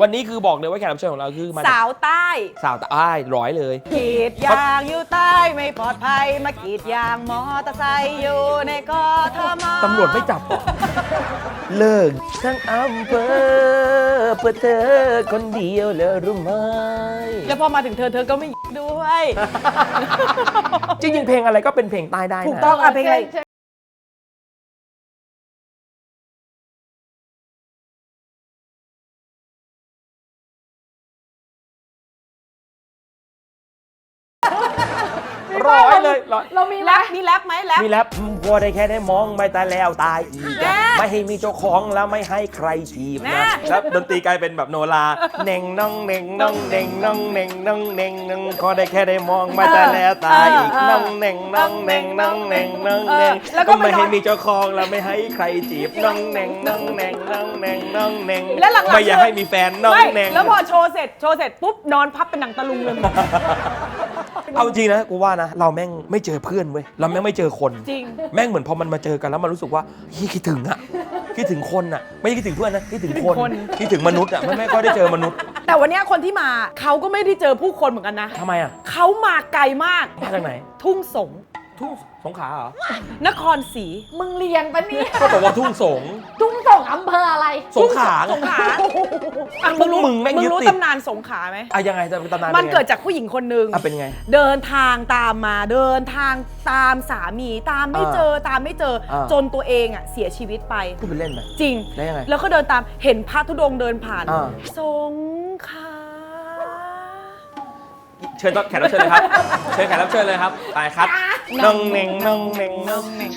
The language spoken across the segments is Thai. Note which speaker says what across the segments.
Speaker 1: วันนี้คือบอกเลยว่าแขกรับเชิญของเราคือมา
Speaker 2: สาวใต้
Speaker 1: สาวใต้ร้อยเลย
Speaker 2: กรีดยางอยู่ใต้ไม่ปลอดภัยมากรีดยางมอเตอร์ไซค์อยู่ในกทม.
Speaker 1: ตำรวจไม่จับหรอเลิกทั้งอำเภอเพื่อเธอคนเดียวเลยรู้ไหม
Speaker 2: แล้วพอมาถึงเธอก็ไม่ด้วย
Speaker 1: จริงๆเพลงอะไรก็เป็นเพลงใต้ได้นะ
Speaker 2: ถูกต้องอ่ะเพลงอะไร
Speaker 1: ร้อยเลยร้อย
Speaker 3: เรามีไห
Speaker 2: แร
Speaker 3: ม
Speaker 2: ปมีแรปไหมแรป
Speaker 1: มีแล้วพอได้แค่ได้มองไม่ตายแล้วตายอีก
Speaker 2: แน่
Speaker 1: ไม่ให้มีเจ้าของแล้วไม่ให้ใครจีบ
Speaker 2: แน่
Speaker 1: นะแล้วดนตรีกลายเป็นแบบโนราเน่งน้องเน่งน้องเน่งน้องเน่งน้องเน่งน้องพอได้แค่ได้มองไม่ตายแล้วตายอีกน้องเน่งน้องเน่งน้องเน่งน้องเน่งก็ไม่ให้มีเจ้าของแล้วไม่ให้ใครจีบน้องเน่งน้องเน่งน้องเน่งน้องเน่ง
Speaker 2: แล้วหลังๆ
Speaker 1: ไม่อยากให้มีแฟนน้อง
Speaker 2: ไม่
Speaker 1: เน่ง
Speaker 2: แล้วพอโชว์เสร็จปุ๊บนอนพับเป็นหนังตะลุงเลย
Speaker 1: เอาจริงนะกูว่านะเราแม่งไม่เจอเพื่อนเว้ยเราแม่งไม่เจอคน
Speaker 2: จริง
Speaker 1: แม่งเหมือนพอมันมาเจอกันแล้วมันรู้สึกว่าเฮ้ยคิดถึงอะคิดถึงคนอะไม่ใช่คิดถึงเพื่อนนะคิดถึงคนคิดถึงมนุษย์อะไม่ค่อยได้เจอมนุษย์
Speaker 2: แต่วันเนี้ยคนที่มาเขาก็ไม่ได้เจอผู้คนเหมือนกันนะ
Speaker 1: ทำไมอะ
Speaker 2: เขามาไกลมาก
Speaker 1: มาจากไหน
Speaker 2: ทุ่งสง
Speaker 1: ทุ่งสงขลาเหรอ
Speaker 2: นครศรี
Speaker 3: มึงเรียนปะเนี่ย
Speaker 1: ก็บอกว่าทุ่งสง
Speaker 3: ทุ่งส่งอำเภออะไร
Speaker 1: สงขลา
Speaker 2: สงขลา
Speaker 1: อ่ะพวกมึงแม่งยึด
Speaker 2: รู้
Speaker 1: ติด
Speaker 2: ตำนานสงขลาไหม
Speaker 1: อะยังไงจะเป็นตำนาน
Speaker 2: มัน
Speaker 1: ป็ไง
Speaker 2: เกิดจากผู้หญิงคนหนึ่ง
Speaker 1: อ่ะเป็นไง
Speaker 2: เดินทางตามมาเดินทางตามสามีตามไม่เจอตามไม่เจอ จนตัวเองอ่ะเสียชีวิตไป
Speaker 1: พูดเป็นเล่นไหม
Speaker 2: จริง
Speaker 1: ได้ยังไง
Speaker 2: แล้วก็เดินตามเห็นพระธุดงค์เดินผ่าน
Speaker 1: อ่า
Speaker 2: สงขลา
Speaker 1: เชิญแขกรับเชิญเลยครับเชิญแขกรับเชิญเลยครับไปครับน้องเน่งน้องเน่งน้องเน่ง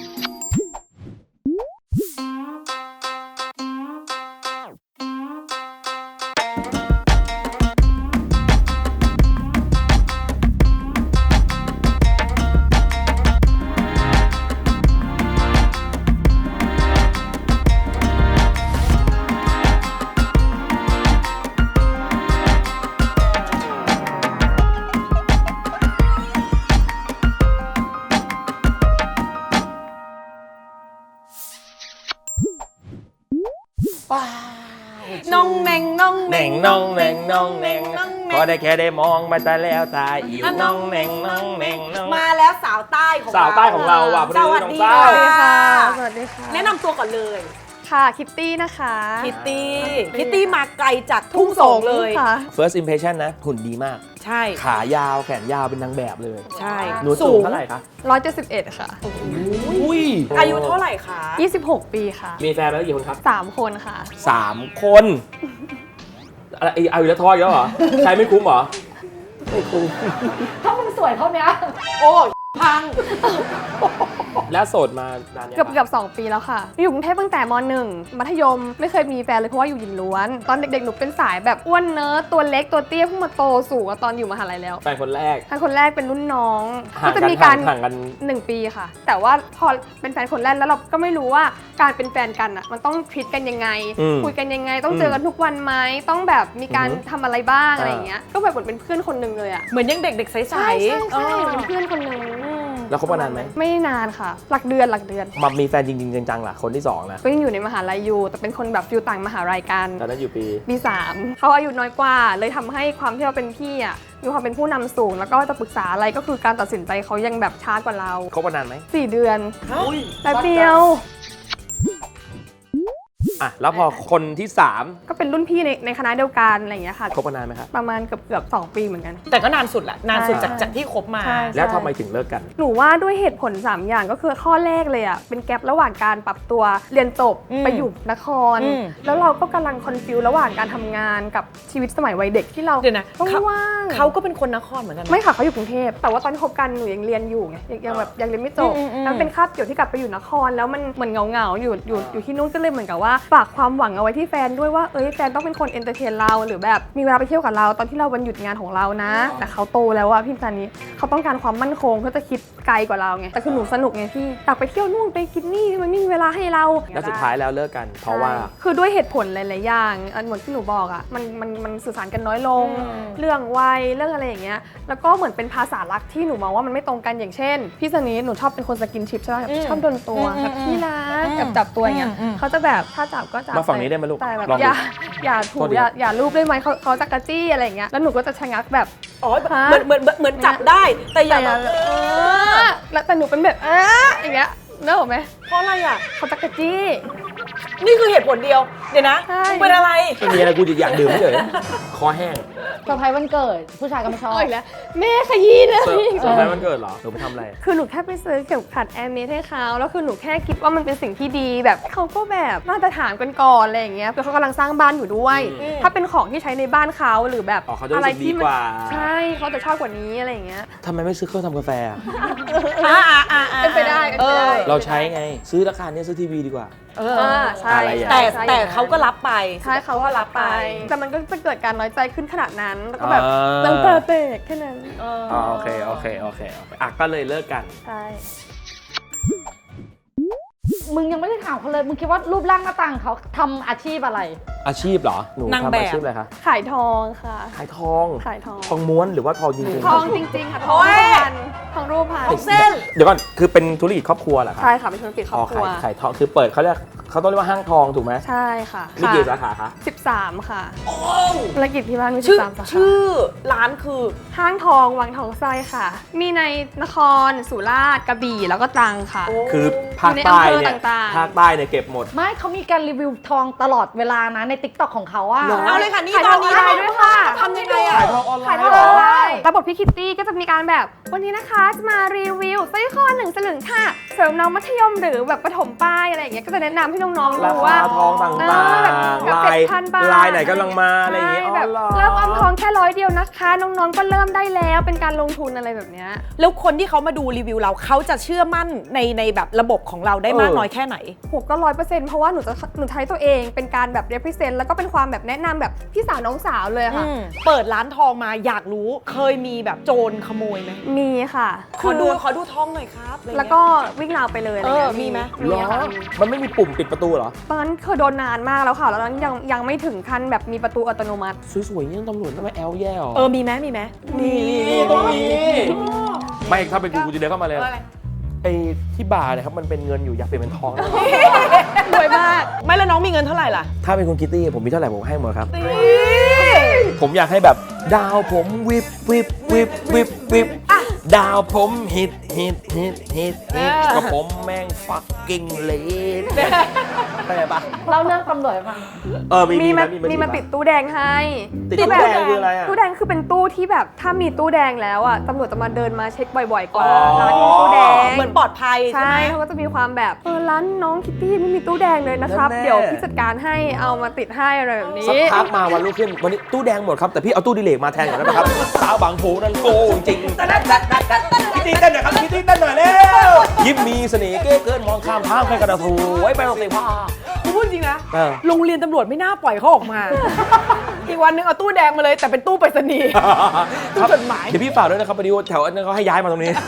Speaker 2: น้องเน่งน้อง
Speaker 1: เน่งน้องเน่งน้องเน่งพอได้แค่ได้มองไม่ตายแล้วตายอีกน้องเน่งน้องเน่งน้อง
Speaker 2: มาแล้วสาวใต้ของเรา
Speaker 1: สาวใต้ของเราว่ะ
Speaker 2: สวัสดี
Speaker 1: น้องเต้า
Speaker 2: ค่ะ
Speaker 3: สวัสดีค่ะ
Speaker 2: แนะนำตัวก่อนเลย
Speaker 3: ค่ะ คิตตี้นะคะ
Speaker 2: คิตตี้มาไกลจากทุ่งสงเลย
Speaker 3: ค่ะ
Speaker 1: first impression นะหุ่นดีมาก
Speaker 2: ใช่
Speaker 1: ขายาวแขนยาวเป็นนางแบบเลย
Speaker 2: ใช่
Speaker 1: หนูสูงเท่าไหร่คะ
Speaker 3: 171 ค่ะ
Speaker 1: อุ้ย
Speaker 2: อายุเท่าไหร่คะ
Speaker 3: 26 ปีค่ะ
Speaker 1: มีแฟนแล้วกี่คนครับ
Speaker 3: 3 คนค่ะ
Speaker 1: 3 คนอะไรเอาอยู่แล้วทอดแล้วเหรอ ใช้ไม่คุ้มเหรอ ไม่คุ้ม
Speaker 3: ถ้ามึงสวยเท่านี้
Speaker 2: โอ้ยพัง
Speaker 1: แล้วโสดมานานยัง
Speaker 3: เกือบ 2 ปีแล้วค่ะ อยู่กรุงเทพตั้งแต่ม .1 มัธยมไม่เคยมีแฟนเลยเพราะว่าอยู่หญิงล้วน ตอนเด็กๆ หนูเป็นสายแบบอ้วนเนิร์ดตัวเล็กตัวเตี้ยเพิ่งมาโตสูงอะตอนอยู่มหาลัยแล้ว
Speaker 1: แฟนคนแรก
Speaker 3: แฟนคนแรกเป็นรุ่นน้อง
Speaker 1: ห่าง
Speaker 3: ก็จะ
Speaker 1: กัน
Speaker 3: มีการ
Speaker 1: ห่างกัน
Speaker 3: 1 ปีค่ะ แต่ว่าพอเป็นแฟนคนแรกแล้วเราก็ไม่รู้ว่าการเป็นแฟนกันอ่ะมันต้องทรีตกันยังไง
Speaker 1: อืม
Speaker 3: คุยกันยังไง ต้องเจอกันทุกวันไหมต้องแบบมีการ
Speaker 1: อือฮึ
Speaker 3: ทำอะไรบ้าง
Speaker 1: อ่า
Speaker 3: อะไรอย่างเงี้ยก็แบบเหมือนเป็นเพื่อนคนหนึ่งเลยอ่ะ
Speaker 2: เหมือนยังเด็กๆใสๆ
Speaker 3: ใช่ใช่
Speaker 2: เออ
Speaker 3: เป็นเพื่อนคนหนึ่ง
Speaker 1: แล้วคบกันนานไหม
Speaker 3: ไม่นานค่ะ หลักเดือน
Speaker 1: มามีแฟนจริงๆจังๆล่ะคนที่2นะ
Speaker 3: ก็ยังอยู่ในมหาลัยอยู่แต่เป็นคนแบบฟิลต่างมหาลัยกัน
Speaker 1: ตอนนั้นอยู่ปี
Speaker 3: ปี3เขาอายุน้อยกว่า เลยทำให้ความที่เราเป็นพี่อ่ะมีความเป็นผู้นำสูง แล้วก็จะปรึกษาอะไรก็คือการตัดสินใจเขายังแบบช้ากว่าเรา
Speaker 1: คบกันนานไหม
Speaker 3: 4 เดือน
Speaker 1: อุ้ย
Speaker 3: แป๊บเดียว
Speaker 1: อ่ะแล้วพอคนที่
Speaker 3: ก็เป็นรุ่นพี่ในคณะเดียวกันอะไรอย่างเงี้ยค่ะ
Speaker 1: 3คบกันนานไหมครับ
Speaker 3: ประมาณเกือบ2 ปีเหมือนกัน
Speaker 2: แต่ก็นานสุดแหละนานสุด
Speaker 3: ใช่
Speaker 2: จากที่คบมา
Speaker 3: ใช่
Speaker 1: แล้วทำไมถึงเลิกกัน
Speaker 3: หนูว่าด้วยเหตุผล 3 อย่างก็คือข้อแรกเลยอ่ะเป็นแกลบระหว่างการปรับตัวเรียนจบ
Speaker 2: อืม
Speaker 3: ไปอยู่นคร
Speaker 2: อืม
Speaker 3: แล้วเราก็กำลังคอนฟิวระหว่างการทำงานกับชีวิตสมัยวัยเด็กที่เรา
Speaker 2: เดี๋ยวนะ
Speaker 3: ต้อง
Speaker 2: เขา
Speaker 3: ว่าง
Speaker 2: เขาก็เป็นคนนครเหมือนกันนะ
Speaker 3: ไม่ค่ะเขาอยู่กรุงเทพแต่ว่าตอนที่คบกันหนูยังเรียนอยู่ไงยังแบบยังเรียนไม่จบ
Speaker 2: อืมอืม
Speaker 3: แล้วเป็นคาบเกี่ยวที่กลับไปอยู่นคร แล้วมันเหมือนเหงาๆอยู่ที่นู่นก็เลยเหมือนกับว่าฝากความหวังเอาไว้ที่แฟนด้วยว่าเอ้ยแฟนต้องเป็นคนเอนเตอร์เทนเราหรือแบบมีเวลาไปเที่ยวกับเราตอนที่เราวันหยุดงานของเรานะ แต่เขาโตแล้วอะพี่จันนี้เขาต้องการความมั่นคงเขาจะคิดไกลกว่าเราไงแต่คือหนูสนุกไงพี่อยากไปเที่ยวนู่นไปกินนี่มันไม่มีเวลาให้เรา
Speaker 1: แล้วสุดท้ายแล้วเลิกกัน เพราะว่า
Speaker 3: ใช่คือด้วยเหตุผลหลาย ๆ อย่างอันเหมือนที่หนูบอกอ่ะมันสื่อสารกันน้อยลง เรื่องวัยเรื่องอะไรอย่างเงี้ยแล้วก็เหมือนเป็นภาษารักที่หนูมองว่ามันไม่ตรงกันอย่างเช่นพี่สนีหนูชอบเป็นคนสกินชิปใช่ไหมชอบโดนตัวแบบพี่รักแบบจับตัวอย่างเงี้ยเขาจะแบบถ้าจับจับก็จับ
Speaker 1: มาฝั่งนี้ได้ไหมลูก
Speaker 3: แต่แบบ
Speaker 1: ลองดู
Speaker 3: อย่าถู
Speaker 1: โทษที
Speaker 3: อย่าลูบได้ไหมเขาจะกระจี้อะไรอย่างเงี้ยแล้วหนูก็จะชะงักแบบ
Speaker 2: อ๋อ
Speaker 3: ฮะ
Speaker 2: เหมือนจับได้ แต่อย่าแบบ
Speaker 3: แล้วแต่หนูเป็นแบบอย่างเงี้ยนึกออกไหม
Speaker 2: เพราะอะไรอ่ะ
Speaker 3: เขาจะกระจี้
Speaker 2: นี่คือเหตุผลเดียว เดี๋ยวนะ
Speaker 3: ใช่
Speaker 2: มึงเป็นอะไร
Speaker 1: ไม่มีอะไรกูอยากดื่มเฉยคอแห้ง
Speaker 4: เซอร์ไพรส์วันเกิด ผู้ชายก็ไม่ชอบ
Speaker 3: เอาอีกแล้วแม่ขยี้เลย
Speaker 1: เซอร์ไพรส์วันเกิดเหรอหนูไปทำอะไร
Speaker 3: คือหนูแค่ไปซื้อเข็มขัดแอร์เมสให้เขาแล้วคือหนูแค่คิดว่ามันเป็นสิ่งที่ดีแบบเขาก็แบบมาตรฐานกันก่อนอะไรอย่างเงี้ยคือเขากำลังสร้างบ้านอยู่ด้วย
Speaker 2: อืม
Speaker 3: ถ้าเป็นของที่ใช้ในบ้านเขาหรือแบบ
Speaker 1: อ๋อเขาจะรู้สึกดีกว่า
Speaker 3: ใช่เขาจะชอบกว่านี้อะไรอย่างเงี้ย
Speaker 1: ทำไมไม่ซื้อเครื่องทำกาแฟอะ
Speaker 3: เป็นไปได้เป็นไปได้
Speaker 1: เราใช้ไงซื้อราคาเนี้ยซื้อทีวีดีกว่า
Speaker 3: ใช่
Speaker 1: อะไรอย่าง
Speaker 3: ใช่
Speaker 2: แต่
Speaker 3: ใช่
Speaker 2: แต่เขาก็รับไป
Speaker 3: ใช่เขาก็รับไป แต่มันก็จะเกิดการน้อยใจขึ้นขนาดนั้นแล้วก็แบบ
Speaker 1: อ่า
Speaker 3: เลิกเปิดเบรกแค่นั้น
Speaker 1: อ๋อโอเคอ่ะก็เลยเลิกกัน
Speaker 3: ใช่
Speaker 4: มึงยังไม่ได้ถามเขาเลย มึงคิดว่ารูปร่างหน้าตาของเขาทำอาชีพอะไร
Speaker 1: อาชีพเหรอหนู
Speaker 2: นาง
Speaker 1: ทำ
Speaker 2: แบบ
Speaker 1: อาชีพอะไรคะ
Speaker 3: ขายทองค่ะ
Speaker 1: ขายทอง
Speaker 3: ขายทอง
Speaker 1: ทองม้วนหรือว่าทองจริงๆ
Speaker 3: ทองจริงๆค่ะทอง
Speaker 2: โอ้ย
Speaker 3: รูปพันทองรูปพัน
Speaker 2: เส้น
Speaker 1: เดี๋ยวก่อนคือเป็นธุรกิจครอบครัวเหรอคะ
Speaker 3: ใช่ค่ะเป็นธุรกิจครอบครัว
Speaker 1: ขายทองคือเปิดเขาเรียกเขาต้องเรียกว่าห้างทองถูกไหม
Speaker 3: ใช่ค่ะ
Speaker 1: มีกี่สาขาคะ
Speaker 3: 13 ค่ะ
Speaker 2: โอ้
Speaker 3: ธุรกิจที่บ้านมี
Speaker 2: ชื่อ
Speaker 3: 13สาขา
Speaker 2: ชื่อร้านคือ
Speaker 3: ห้างทองวังทองไส้ค่ะ มีในนครสุราษฎร์กระบี่แล้วก็ตรังค่ะ
Speaker 2: โอ้
Speaker 1: คือภาคใต้เนี่ย
Speaker 3: อยู่ในอำเภอต่างๆ
Speaker 1: ภาคใต้เนี่ยเก็บหมด
Speaker 4: ไม่เขามีการรีวิวทองตลอดเวลานะในติ๊กต็อกของเขาอะ
Speaker 1: เหรอ
Speaker 2: เอาเลยค่ะนี่
Speaker 3: ขาย
Speaker 2: ต
Speaker 3: ท
Speaker 2: อ
Speaker 3: อน ง
Speaker 2: นี้
Speaker 3: ออนไลน์ด้วยค่ะ
Speaker 2: ทำยังไงอะ
Speaker 1: ขายทองออนไล
Speaker 3: ขาย
Speaker 1: น์
Speaker 3: ทอง
Speaker 1: เหร
Speaker 3: อ
Speaker 1: อ
Speaker 3: อนไลน์ระบบพี่คิตตี้ก็จะมีการแบบวันนี้นะคะจะมารีวิวสร้อยคอ1 สลึงค่ะเสริมน้องมัธยมหรือแบบประถมป้ายอะไรอย่างเงี้ยก็จะแนะนำให้น้องๆ
Speaker 1: รา
Speaker 3: ดู
Speaker 1: คา
Speaker 3: ว่า
Speaker 1: ทองต่าง
Speaker 3: แบบ
Speaker 1: ๆ
Speaker 3: กับ
Speaker 1: ลาย
Speaker 3: 7,000 บาท
Speaker 1: ลายไหนกำลังมาอะไรอย่างเงี้ย
Speaker 3: ใช่แบบ
Speaker 1: อ๋อหอ
Speaker 3: เริ่มออมทองแค่100 เดียวนะคะ น้องๆก็เริ่มได้แล้วเป็นการลงทุนอะไรแบบเนี้ย
Speaker 2: แล้วคนที่เขามาดูรีวิวเราเขาจะเชื่อมั่นในแบบระบบของเราได้มากน้อยแค่ไหน
Speaker 3: ผมก็100%เพราะว่าหนูใช้ตัวเองเป็นการแบบ represent แล้วก็เป็นความแบบแนะนำแบบพี่สาวน้องสาวเลยอะค่ะ
Speaker 2: เปิดร้านทองมาอยากรู้เคยมีแบบโจรขโมยไหม
Speaker 3: มีค่ะ
Speaker 2: ขอดูทองหน่อยครับอะไรเงี้ย
Speaker 3: แล้วก็วิ่งราวไปเลยอะไรเงี้ย
Speaker 2: มีไหม
Speaker 3: มี
Speaker 1: เหรอ
Speaker 3: ค่ะ
Speaker 1: มันไม่มีปุ่มปิดประตูเหรอ
Speaker 3: ตอนนั้นเคยโดนนานมากแล้วค่ะ แล้วตอนนั้นยังไม่ถึงขั้นแบบมีประตูอัตโนมัติ
Speaker 1: สวยๆนี่ตำรวจต้องมาแอลแย่หรอ
Speaker 2: มีไหมมีไหม
Speaker 1: ต้องมีไม่ถ้าเป็นกูจะเดินเข้ามาเลย
Speaker 2: อะไร
Speaker 1: ไอ้ที่บาร์เนี่ยครับมันเป็นเงินอยู่อยากเปลี่ยนเป็นทองได้ไหม
Speaker 3: รวยมาก
Speaker 2: ไม่แล้วน้องมีเงินเท่าไหร่ล่ะ
Speaker 1: ถ้าเป็นคุณคิตตี้ผมมีเท่าไหร่ผมให้หมดครับ ผมอยากให้แบบดาวผมวิบวิบวิบวิบวิบดาวผมฮิตก็ผมแม่งฟักกิ้งเลดเข้าใจปะ
Speaker 4: เล่าเรื่องตำรวจให้ฟัง
Speaker 3: มีมา
Speaker 1: มี
Speaker 3: มาติดตู้แดงให้
Speaker 1: ติดตู้แดงคืออะไรอ่ะ
Speaker 3: ตู้แดงคือเป็นตู้ที่แบบถ้ามีตู้แดงแล้วอ่ะตำรวจจะมาเดินมาเช็คบ่อยๆกว่า
Speaker 1: อ๋อ
Speaker 3: ร้านที่มีตู้แดง
Speaker 2: เหมือนปลอดภัยใช่
Speaker 3: ใช่
Speaker 2: ไหม
Speaker 3: เขาก็จะมีความแบบร้านน้องคิตตี้ไม่มีตู้แดงเลยนะครับ เดี๋ยวพี่จัดการให้เอามาติดให้อะไรแบบนี้
Speaker 1: สักพักมาวันรุ่งขึ้นวันนี้ตู้แดงหมดครับแต่พี่เอาตู้ดิเลกมาแทนก่อนได้ไหมครับสาวบางโพนั่นโกงจริงคิตตี้เต้นหน่อยครับคิตตี้เต้นหน่อยเร็วยิ้มมีเสน่ห์เก้เกินมองข้ามทางไปกระถูไว้ไปโรงเรียนว่า
Speaker 2: กูพูดจริงนะ
Speaker 1: เออ
Speaker 2: โรงเรียนตำรวจไม่น่าปล่อยเขาออกมา อีกวันนึงเอาตู้แดงมาเลยแต่เป็นตู้ไปรษณีย์ ตู้จดหมาย
Speaker 1: เดี๋ยวพี่ฝากด้วยนะครับพอดีว่าแถวนั้นเขาให้ย้ายมาตรงนี้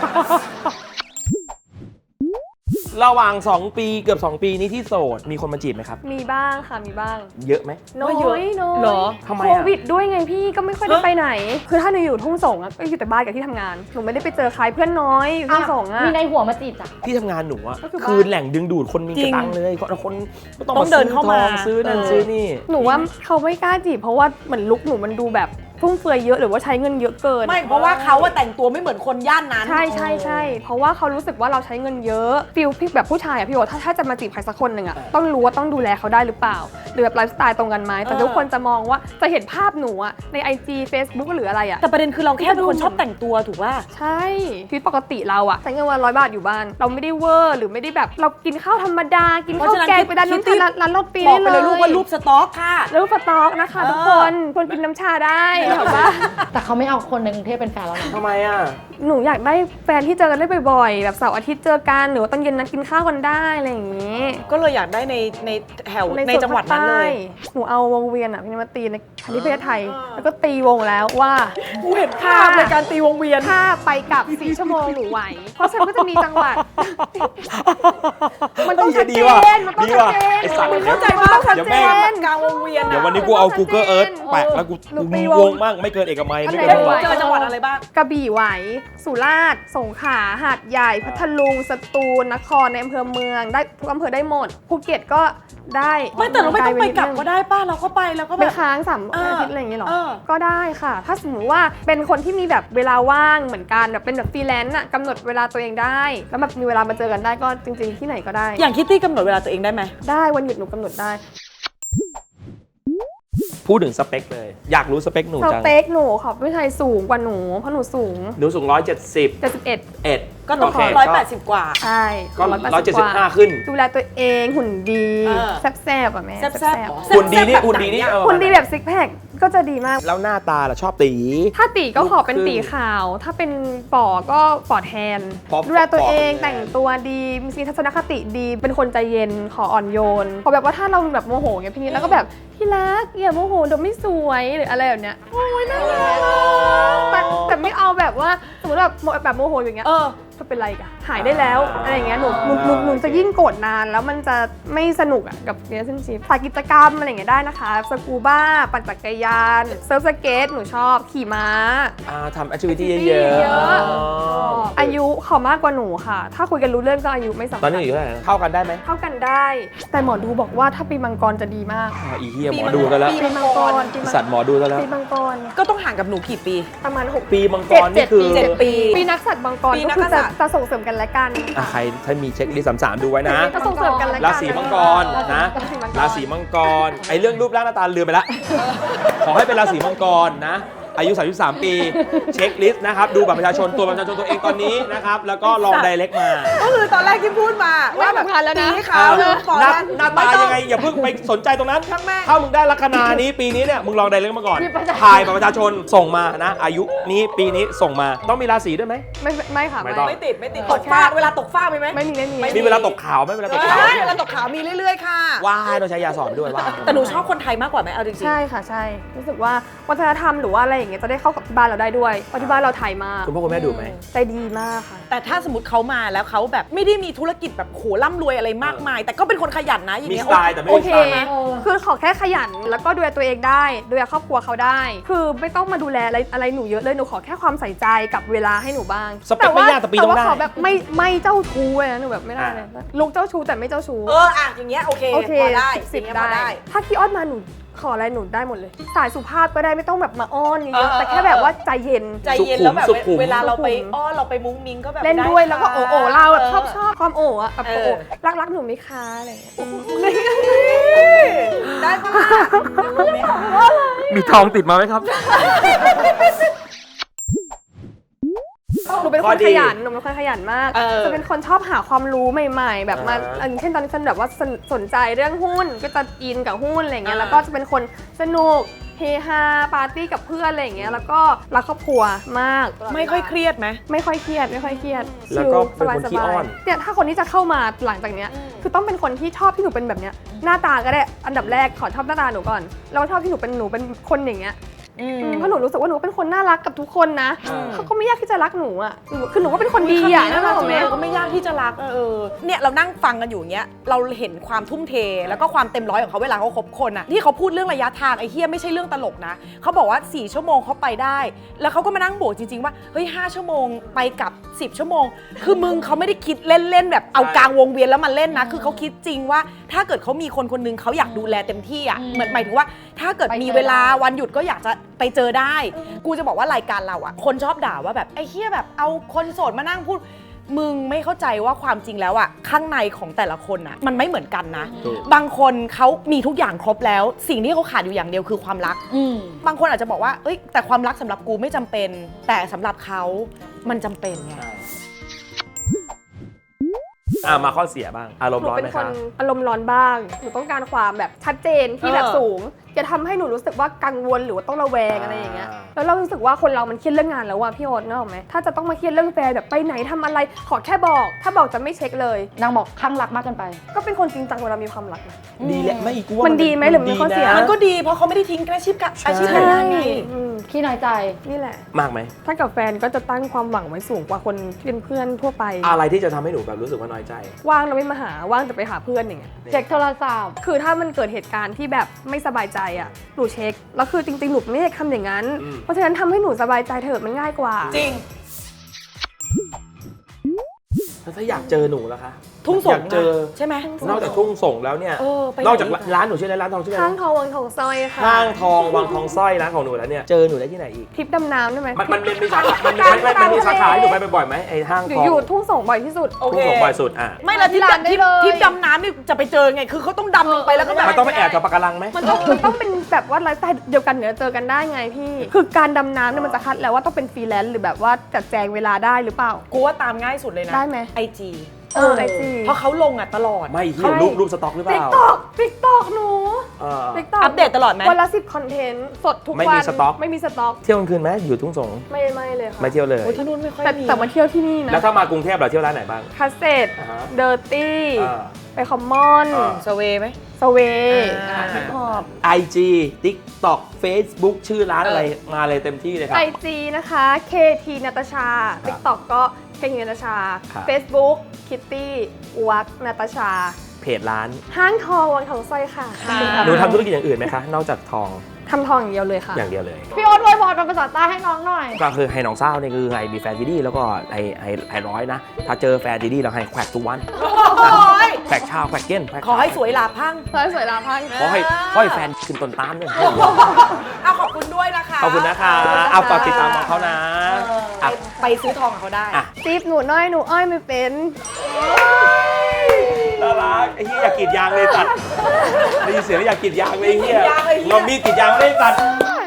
Speaker 1: ระหว่าง 2 ปีเกือบ 2 ปีนี้ที่โสดมีคนมาจีบไหมครับ
Speaker 3: มีบ้างค่ะมีบ้าง
Speaker 1: เยอะไหม
Speaker 3: น้อย
Speaker 2: เยอะ
Speaker 3: น้อย
Speaker 2: เหรอ
Speaker 1: ทำไม
Speaker 3: โค
Speaker 1: อะ
Speaker 3: วิดด้วยไงพี่ก็ไม่ค่อยได้ไปไหน คือถ้าหนูอยู่ทุ่งสงอะก็อยู่แต่บ้านกับที่ทำงานหนูไม่ได้ไปเจอใครเพื่อนน้อยอยู่ทุ่งสงอะ
Speaker 4: มีในหัวมาจีบจ้ะ
Speaker 1: ที่ทำงานหนูอะ
Speaker 3: ก็คือบ้าน
Speaker 1: คือแหล่งดึงดูดคนมี
Speaker 2: จริ
Speaker 1: กระ
Speaker 2: ง
Speaker 1: ตังเลยคนก็ต้อง
Speaker 2: ต้องเดินเข้ามา
Speaker 1: ซื้อนั่นซื้อนี่
Speaker 3: หนูว่าเขาไม่กล้าจีบเพราะว่าเหมือนลุคหนูมันดูแบบฟุ่มเฟือยเยอะหรือว่าใช้เงินเยอะเกิน
Speaker 2: ไม่เพราะว่าเขาว่าแต่งตัวไม่เหมือนคนย่านนั้น
Speaker 3: ใช่ใช่ใช่เพราะว่าเขารู้สึกว่าเราใช้เงินเยอะฟิลพี่แบบผู้ชายอะพี่โอถ้าจะมาจีบใครสักคนหนึ่งอะต้องรู้ว่าต้องดูแลเขาได้หรือเปล่า หรือแบบไลฟ์สไตล์ตรงกันไหมแต่ทุกคนจะมองว่าจะเห็นภาพหนูอะใน IG Facebook หรืออะไรอะ
Speaker 2: แต่ประเด็นคือเราแค่เป็นคนชอบแต่งตัวถูกป่ะ
Speaker 3: ใช่ชีวิตปกติเราอะใช้เงินวัน100 บาทอยู่บ้าน เราไม่ได้เวอร์หรือไม่ได้แบบเรากินข้าวธรรมดา กินข้าวแกงไปด้านนู้น
Speaker 2: คิตตี้
Speaker 3: ร้านโรตี
Speaker 2: บอกไปเลยลูกว่ารูปสต็อกค่ะ
Speaker 3: รูปสต๊อกนะคะทุกคนคนกินน้ำชาได้เหรอปะ
Speaker 4: แต่เขาไม่เอาคนในกรุงเทพเป็นแฟนเรานะ
Speaker 1: ทำไมอะ
Speaker 3: หนูอยากได้แฟนที่เจอกันได้บ่อยๆ แบบเสาร์อาทิตย์เจอกันหรือว่าตอนเย็นนัดกินข้าวกันได้อะไรอย่างนี้
Speaker 2: ก็เลยอยากได้ในแถวในจังหวัดนั้นเลย
Speaker 3: หนูเอาวงเวียนอ่ะพี่มาตีในประเทศไทย แล้วก็ตีวงแล้วว่า
Speaker 2: กูเห็นภาพในการตีวงเวียน
Speaker 3: ถ้าไปกลับ4 ชั่วโมงหนูไหว เพราะฉันก็จะมีจังหวัด มันต้องชัดเจนมันต้องชัดเจน
Speaker 1: ไอ้สัตว์
Speaker 2: เข้าใจว่าต้องชัด
Speaker 1: เดี๋ยว
Speaker 2: เจ
Speaker 1: แม่ง
Speaker 2: นกลางวงเวียน
Speaker 1: เดี๋ยววันนี้กูเอา Google Earth แปะแล้วกู
Speaker 3: หนูตี
Speaker 1: วงมั่งไม่เกินเอกมัยไม่เกิน
Speaker 3: อันไหน
Speaker 1: จังหวัด
Speaker 2: เจอจังหวัดอะไรบ้าง
Speaker 3: กระบี่ไหว สุราษฎร์ สงขลา หาดใหญ่ พัทลุง สตูล นคร ในอำเภอเมือง ได้ทุกอำเภอได้หมด ภูเก็ตก็ได้
Speaker 2: ไม่แต่เราไม่ต้องไปกลับก็ได้ป้าเราก็ไปแล้วก็
Speaker 3: ไป
Speaker 2: แบบ
Speaker 3: ค้าง3
Speaker 2: เออ
Speaker 3: อาทิตย์อะไรอย่างเงี้ยหรอ
Speaker 2: เออ
Speaker 3: ก็ได้ค่ะ ถ้าสมมติว่าเป็นคนที่มีแบบเวลาว่างเหมือนกันแบบเป็นแบบฟรีแลนซ์อะกำหนดเวลาตัวเองได้ แล้วแบบมีเวลามาเจอกันได้ก็จริง ๆ ที่ไหนก็ได้
Speaker 2: อย่างคิตตี้กำหนดเวลาตัวเองได้ไหม
Speaker 3: ได้วันหยุดหนูกำหนดได้
Speaker 1: พูดถึงสเปคเลย อยากรู้สเปคหนู
Speaker 3: ส
Speaker 1: จัง
Speaker 3: เต็กหนูขอผู้ชายสูงกว่าหนูเพราะหนูสูง
Speaker 1: หนูสูง170
Speaker 3: 71
Speaker 1: เอ็ด
Speaker 2: ก็ต้อง
Speaker 1: โเค
Speaker 2: 180 กว่า
Speaker 3: ใช่
Speaker 1: ก็
Speaker 3: 180กว่า
Speaker 1: 175ขึ้น
Speaker 3: ดูแลตัวเองหุ่นดี
Speaker 2: เออ
Speaker 3: แซ่บๆอ่ะแม่
Speaker 2: แซ่บ
Speaker 1: หุ่นดีนี่หุ่นดีนี่เออ
Speaker 3: หุ่นดีแบบซิกแพคก็จะดีมาก
Speaker 1: แล้วหน้าตาล่ะชอบตี
Speaker 3: ถ้าตีก็ขอเป็น
Speaker 1: ลูกครึ่ง
Speaker 3: ตีขาว ถ้าเป็นป่อก็ป่อแทน
Speaker 1: เพราะ
Speaker 3: ดูแลตัวเอง
Speaker 1: ป่อเป็นไง
Speaker 3: แต่งตัวดีมีทัศนคติดี เป็นคนใจเย็นขออ่อนโยนพอแบบว่าถ้าเราแบบโมโหเงี้ยพี่นิดแล้วก็แบบพี่รักอย่าโมโหเดี๋ยวไม่สวยหรืออะไรแบบเนี้ยโอ้ยน่ารักแต่ไม่เอาแบบว่าสมมติแบบโมโหอย่างเงี้ย
Speaker 2: เออ
Speaker 3: จะเป็นไรกันหายได้แล้วอะไรอย่างเงี้ยหนูจะยิ่งโกรธนานแล้วมันจะไม่สนุกอ่ะกับ relationship สายกิจกรรมอะไรอย่างเงี้ยได้นะคะสกูบ้าปั่นจักรยานเซิร์ฟสเกตหนูชอบขี่ม้า
Speaker 1: ทำแอคทิวิตี้
Speaker 3: activity
Speaker 1: เยอะ
Speaker 3: เยอะ
Speaker 1: อ๋อ
Speaker 3: อายุขอมากกว่าหนูค่ะ ถ้าคุยกันรู้เรื่องก็อายุไม่สำ
Speaker 1: ตอ
Speaker 3: คั
Speaker 1: น
Speaker 3: ญ
Speaker 1: นี้อยู่เท่าไหร่นะเข้ากันได้ไหม
Speaker 3: เท่ากันได้ แต่หมอดูบอกว่าถ้าปีมังกรจะดีมาก
Speaker 1: อีเหี้ยหมอดูกันแล้ว
Speaker 3: ปีมังกร
Speaker 1: สัตว์หมอดูกันแล้ว
Speaker 3: ปีมังกร
Speaker 2: ก็ต้องห่างกับหนูกี่ปี
Speaker 3: ประมาณ6
Speaker 1: ปีมังกรนี่คือ
Speaker 2: 7 ปี
Speaker 3: ปีนักสัตว์มังกร
Speaker 2: ปีนั
Speaker 3: ก็
Speaker 2: ก
Speaker 3: คือ
Speaker 2: ษั
Speaker 3: จะ
Speaker 2: ตริย์
Speaker 3: จะส่งเสริมกันและกัน
Speaker 1: ใครถ้ามีเช็คลิสต์33ดูไว้นะ
Speaker 3: จะส่งเสริมกันและกัน
Speaker 1: ราศีมังกรนะราศีมังกรไอเรื่องรูปร่างหน้าตาลืมไปละขอให้เป็นราศีมังกรนะ อายุ 33 ปี เช็คลิสต์นะครับ ดูบัตรประชาชนตัวประชาชนตัวเองตอนนี้นะครับ แล้วก็ลองไดเรกมา
Speaker 2: ก็คือตอนแรกที่พูดมาว่าแบบ
Speaker 3: ไม่สำคัญแล้วนะ
Speaker 2: ตีขาวหรือปอด
Speaker 1: หน้าตายังไง อย่าเพิ่งไปสนใจตรงนั้น
Speaker 2: ช่างแม่ง
Speaker 1: ถ้ามึงได้ลัคนานี้ปีนี้เนี่ยมึงลองไดเรกมาก่อน
Speaker 3: มีประชาชน
Speaker 1: ถ่ายบัตรประชาชนส่งมานะ อายุนี้ปีนี้ส่งมาต้องมีราศีด้วยไหม
Speaker 3: ไม่ค่ะ
Speaker 1: ไม่ต้อง
Speaker 2: ไม่ติดตกฟ้าเวลาตกฟ้ามีไหม
Speaker 3: ไม่มี
Speaker 1: มีเวลาตกขาวไหมเวลาตกขาว
Speaker 2: เวลาตกขาวมีเรื่อยๆค่ะ
Speaker 1: ว้ายต้องใช้ยาสอนด้วยว้าย
Speaker 2: แต่หนูชอบคนไทยมากกว่าไหมเอาจริงๆ
Speaker 3: ใช่ค่ะใช่รู้สึกว่าวัฒนธรรมหรือว่าอะไรอย่างเงี้ยจะได้เข้ากับที่บ้านเราได้ด้วยเพราะที่บ้านเราไทยมาก
Speaker 1: คุณพ่อคุณแม่ดูไหม
Speaker 3: ใจดีมากค่ะ
Speaker 2: แต่ถ้าสมมติเขามาแล้วเขาแบบไม่ได้มีธุรกิจแบบโหร่ำรวยอะไรมากมาย แต่ก็เป็นคนขยันนะอย่าง
Speaker 1: มี
Speaker 2: เงี้
Speaker 1: ส
Speaker 2: ย
Speaker 1: ไตล์แต่ไม่
Speaker 3: โอ
Speaker 1: มี
Speaker 3: เค
Speaker 1: สไตล์นะ
Speaker 3: คือขอแค่ขยันแล้วก็ดูแลตัวเองได้ดูแลครอบครัวเขาได้ คือไม่ต้องมาดูแลอะไรหนูเยอะเลยหนูขอแค่ความใส่ใจกับเวลาให้หนูบ้าง
Speaker 1: สเปคไม่ยากแต่ปีต้องได้
Speaker 3: ขอแบบไม่เจ้าชู้เลยนะหนูแบบไม่ได้เลยลูกเจ้าชู้แต่ไม่เจ้าชู้
Speaker 2: อย่างเงี้ยโอเค
Speaker 3: โอเค
Speaker 2: พอได้
Speaker 3: สิบ
Speaker 2: อย่างเงี้ยพอ
Speaker 3: ได้ ถ้าขี้อ้อนมาหนูขออะไรหนูได้หมดเลย สายสุภาพก็ได้ไม่ต้องแบบมาอ้อนเยอะๆแต่แค่แบบว่าใจเย็น
Speaker 2: ใจเย็นแล้วแบบ
Speaker 1: สุขุม
Speaker 2: เวลาเราไป
Speaker 3: สุขุม
Speaker 2: อ้อนเราไปมุ้งมิ้งก็แบบ
Speaker 3: เล่นด้วย
Speaker 2: ไค่ะ
Speaker 3: แล้วก็โอ้เราแบบชอบความโอ้อะแบบ
Speaker 2: เออ
Speaker 3: โอ้รักหนูไหมคะอะไรอย่างเงี้ย
Speaker 2: ได้ปะ
Speaker 1: มีทองติดมาไหมครับ
Speaker 3: หนูเป็น
Speaker 1: ข้
Speaker 3: ค
Speaker 1: อน ดี
Speaker 3: ขยันหนูเป็นคนขยันมาก จะเป็นคนชอบหาความรู้ใหม่ ๆ แบบมาอย่างเช่นตอนนี้ฉันแบบว่าสนใจเรื่องหุ้นก็จะอินกับหุ้นอะไรเงี้ยแล้วก็จะเป็นคนสนุกเฮฮาปาร์ตี้กับเพื่อนอะไรอย่างเงี้ยแล้วก็รักครอบครัวมาก
Speaker 2: ไม่ค่อยเครียดไหม
Speaker 3: ไม่ค่อยเครียด
Speaker 1: แล้วก็เป็นคนขี้อ้อน
Speaker 3: เนี่ยถ้าคนที่จะเข้ามาหลังจากเนี้ยคือต้องเป็นคนที่ชอบที่หนูเป็นแบบเนี้ยหน้าตาก็ได้อันดับแรกขอชอบหน้าตาหนูก่อนแล้วชอบที่หนูเป็นคนอย่างเงี้ยเพราะหนูรู้สึกว่าหนูเป็นคนน่ารักกับทุกคนนะเขาก็ไม่ยากที่จะรักหนูอ่ะคือหนูก็เป็นคนดีอ่ะ
Speaker 2: นั่
Speaker 3: นั่นแหละไหม
Speaker 2: ก็ไม่ยากที่จะรักเนี่ยเรานั่งฟังกันอยู่เงี้ยเราเห็นความทุ่มเทแล้วก็ความเต็มร้อยของเขาเวลาเขาคบคนอะที่เขาพูดเรื่องระยะทางไอ้เฮียไม่ใช่เรื่องตลกนะเขาบอกว่า4ชั่วโมงเขาไปได้ แล้วเขาก็มานั่งโบกจริงๆว่าเฮ้ย5ชั่วโมงไปกับ10ชั่วโมงคือมึงเขาไม่ได้คิดเล่นๆแบบเอากลางวงเวียนแล้วมาเล่นนะคือเขาคิดจริงว่าถ้าเกิดเขามีคนคนนึงเขาอยากดูแลเต็มที่อะเหมือนหมายถึงว่าถ้าเกิดมีเวลาวันหยุดก็อยากจะไปเจอได้ กูจะบอกว่ารายการเราอะคนชอบด่าว่าแบบไอ้เหี้ยแบบเอาคนโสดมานั่งพูดมึงไม่เข้าใจว่าความจริงแล้วอะข้างในของแต่ละคนอะมันไม่เหมือนกันนะ บางคนเขามีทุกอย่างครบแล้ว สิ่งที่เขาขาดอยู่อย่างเดียวคือความรักบางคนอาจจะบอกว่าเอ้ยแต่ความรักสำหรับกูไม่จำเป็น แต่สำหรับเขามันจำเป็นไง
Speaker 1: มาข้อเสียบ้างอารมณ์
Speaker 3: หนู
Speaker 1: ร้อน
Speaker 3: เป็น
Speaker 1: ไหม
Speaker 3: ค
Speaker 1: คะ
Speaker 3: นอารมณ์ร้อนบ้างหนูต้องการความแบบชัดเจนที่แบบสูงอย่าทำให้หนูรู้สึกว่ากังวลหรือว่าต้องระแวงอะไรอย่างเงี้ยแล้วเรารู้สึกว่าคนเรามันเครียดเรื่องงานแล้วอะพี่โอ๊ตนึกออกไหมถ้าจะต้องมาเครียดเรื่องแฟนแบบไปไหนทำอะไรขอแค่บอกถ้าบอกจะไม่เช็คเลย
Speaker 4: นางบอกข้างรักมากเกินไป
Speaker 3: ก็เป็นคนจริงจังเวลามีความรักนะ
Speaker 1: ดีแหละไม่กูว่า
Speaker 3: มันดีไหมหรือมันข้อเสีย
Speaker 2: มันก็ดีเพราะเขาไม่ได้ทิ้งอาชีพการงานไง
Speaker 3: อืม
Speaker 4: ขี้น้อยใจ
Speaker 3: นี่แหละ
Speaker 1: มากไหม
Speaker 3: ถ้ากับแฟนก็จะตั้งความหวังไว้สูงกว่าคนที่เป็นเพื่อนทั่วไป
Speaker 1: อะไรที่จะทำให้หนูแบบรู้สึกว่าน้อยใจ
Speaker 3: ว่างแล้วไม่มาหาว่างแต่ไปหาเพื่อนอย่างเงี้ย
Speaker 4: เช็คโทรศัพท์
Speaker 3: คือถ้ามันเกิดเหตุการณ์ที่แบบไม่สบายใจอ่ะหนูเช็คแล้วคือจริงๆหนูไม่ได้ทำอย่างนั้น
Speaker 1: อืม
Speaker 3: เพราะฉะนั้นทำให้หนูสบายใจเถอะมันง่ายกว่า
Speaker 2: จริง
Speaker 1: แล้วถ้าอยากเจอหนูล่ะคะ
Speaker 2: ทุ่งส่
Speaker 1: อง ยากเจอ
Speaker 2: ใช่ไหม
Speaker 1: นอกจากทุ่งส่งแล้วเนี่ย
Speaker 2: ไป
Speaker 1: นอกจาก
Speaker 2: ไหะ
Speaker 1: ร้านหนูชื่ออะไรร้านทองชื่ออะไร
Speaker 3: ห้างทองวังทองสร้อยค่ะ
Speaker 1: ห้างทองวังทองสร้อยร้านของหนูแล้วเนี่ยเจอหนูได้ที่ไหนอีก
Speaker 3: ทริปดำน้ำได้ไหม
Speaker 1: มันมีสาขามันมีสาขาให้หนูไปบ่อยๆไหมไอ้ห้าง
Speaker 3: หนู
Speaker 1: ทอง
Speaker 3: อยู่ทุ่งส่งบ่อยที่สุด
Speaker 2: โอเค
Speaker 1: ทุ่งส่งบ่อยสุดอ่ะ
Speaker 2: ไม่ละที่
Speaker 4: ร้านได้เลย
Speaker 2: ทิปดำน้ำนี่จะไปเจอไง คือเขาต้องดำลงไปแล้วก็แบบ
Speaker 1: มันต้องไปแอบกับปะการังไหม
Speaker 3: มันต้องเป็นแบบว่าไลฟ์สไตล์เดียวกันเดี๋ยวเจอกันได้ไงพี่ คือการดำน้ำเนี่ยมันจะคัดแล้วว่าต้องเป็นฟรีแลนซ์หรือแบบว่าจัดแจงเวลาได้หรือเปล่า
Speaker 2: กูว่าตามง่ายสุดเลยนะ
Speaker 3: ได้ไหม
Speaker 2: IG
Speaker 3: ไอจี
Speaker 2: เพราะเขาลงตลอด
Speaker 1: ไม่เหียรูปสต็อกหรือเป
Speaker 3: ติ๊ก
Speaker 1: ล่า
Speaker 3: ตอกติ๊กตอกหนู
Speaker 1: เออ
Speaker 3: ติ๊กตอก
Speaker 2: อัปเดตตลอดไหม
Speaker 3: วันละ10คอนเทนต์สดทุกวัน
Speaker 1: ไม่มีสต็อก
Speaker 3: ไม่มีสต็อก
Speaker 1: เที่ยวกลางคืนไหมอยู่ทุ่งส่ง
Speaker 3: ไม่เลยค่ะ
Speaker 1: ไม่เที่ยวเลย
Speaker 2: โอ้ยที่นู่นไม่ค่อยมี
Speaker 3: แต่มาเที่ยวที่นี่นะ
Speaker 1: แล้วถ้ามากรุงเทพเราเที่ยวร้านไหนบ้าง
Speaker 3: คาเซต
Speaker 1: อ่าฮะ
Speaker 3: เดอร์ตี้
Speaker 1: อ่า
Speaker 3: ไปคอมมอน
Speaker 1: อ่า
Speaker 2: สเวย์ไหม
Speaker 3: สเว
Speaker 2: อ่า
Speaker 3: ฮิปฮอป
Speaker 1: IG TikTok Facebook ชื่อร้านอะไรมาเลยเต็มที่เลยครั
Speaker 3: ไอบ จีนะคะ KT นาตาชา ติ๊กต็อกก็ KT นาตาชา
Speaker 1: ครับ
Speaker 3: Facebook Kitty วักนาตาชา
Speaker 1: เพจร้าน
Speaker 3: ห้างทองวังทองสร้อยค่ะ
Speaker 1: หนูทำธุรกิจอย่างอื่นไหมคะ นอกจากทอง
Speaker 3: ทำทองอย่างเดียวเลยค่ะ
Speaker 1: อย่างเดียวเลย
Speaker 4: พี่โอ๊ตอวยพรเป็นภาษาใต้ให้น้องหน่อย
Speaker 1: ก็คือให้น้องเศร้าเนี่ยคือให้มีแฟนที่ดีแล้วก็ให้ร้อยนะ ถ้าเจอแฟนที่ดีเราให้แขวกทุกวัน
Speaker 2: โอ้ย
Speaker 1: แขวกเช้าแขวกเก้นแขวก
Speaker 2: ขอให้สวยหลาพัง
Speaker 3: สวยสวยลาพัง
Speaker 1: ขอให้แฟนขึ้นต้นตาลเนี่ย
Speaker 2: เอาขอบคุณด้วยนะคะ
Speaker 1: ขอบคุณนะคะเอาฝากติดตามของเขานะ
Speaker 2: ไปซื้อทองกับเขาได้
Speaker 1: อ่ะ
Speaker 3: จีบหนูน้อยหนูอ้อยไม่เป็น
Speaker 1: น่ารักไอ้เหี้ยอยากกรีดยางเลยตัดได้ยินเสียงแล้วอยากกรีดยางเลยไอ้เหี้ย
Speaker 2: กรีดยางเลยไอ้เหี้ย
Speaker 1: งอมีดกรีดยางเลยตัด